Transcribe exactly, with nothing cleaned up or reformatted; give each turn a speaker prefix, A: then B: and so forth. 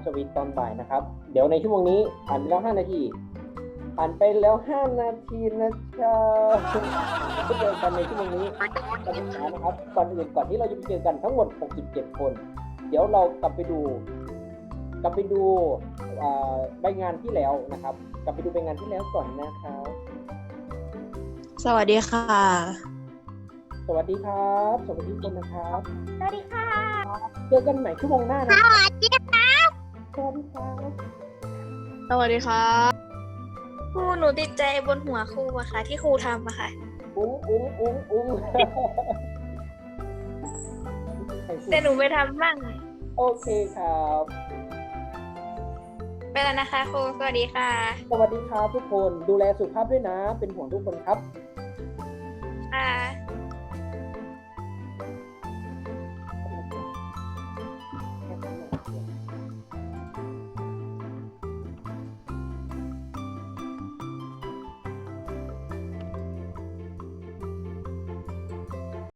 A: สวีทตอนบ่ายนะครับเดี๋ยวในชั่วโมงนี้ผ่านไปแล้วห้านาทีผ่านไปแล้วห้านาทีนะครับก็เจอกันในชั่วโมงนี้กันอีกครั้งนะครับก่อนอื่นก่อนที่เราจะไปเจอกันทั้งหมดหกสิบเจ็ดคนเดี๋ยวเรากลับไปดูกลับไปดูใบงานที่แล้วนะครับกลับไปดูใบงานที่แล้วก่อนนะครับ
B: สวัสดีค่ะ
A: สวัสดีครับสวัสดีทุกคนนะครับ
C: สวัสดีค่ะ
A: เจอกันใหม่ชั่วโมงหน้านะ
C: สวัสดีครับ
A: สวัสดีครับ
B: สวัสดีครับ
C: ครูหนูติดใจบนหัวครูอะค่ะที่ครูทำอะค่ะ
A: อุ้งอุ้งอุ้งอุ้ง
C: แต่หนูไปทำบ้าง
A: โอเคครับ
C: ไปแล้วนะคะครูสวัสดีค่ะ
A: สวัสดีครับทุกคนดูแลสุขภาพด้วยนะเป็นห่วงทุกคนครับ
C: ค่ะ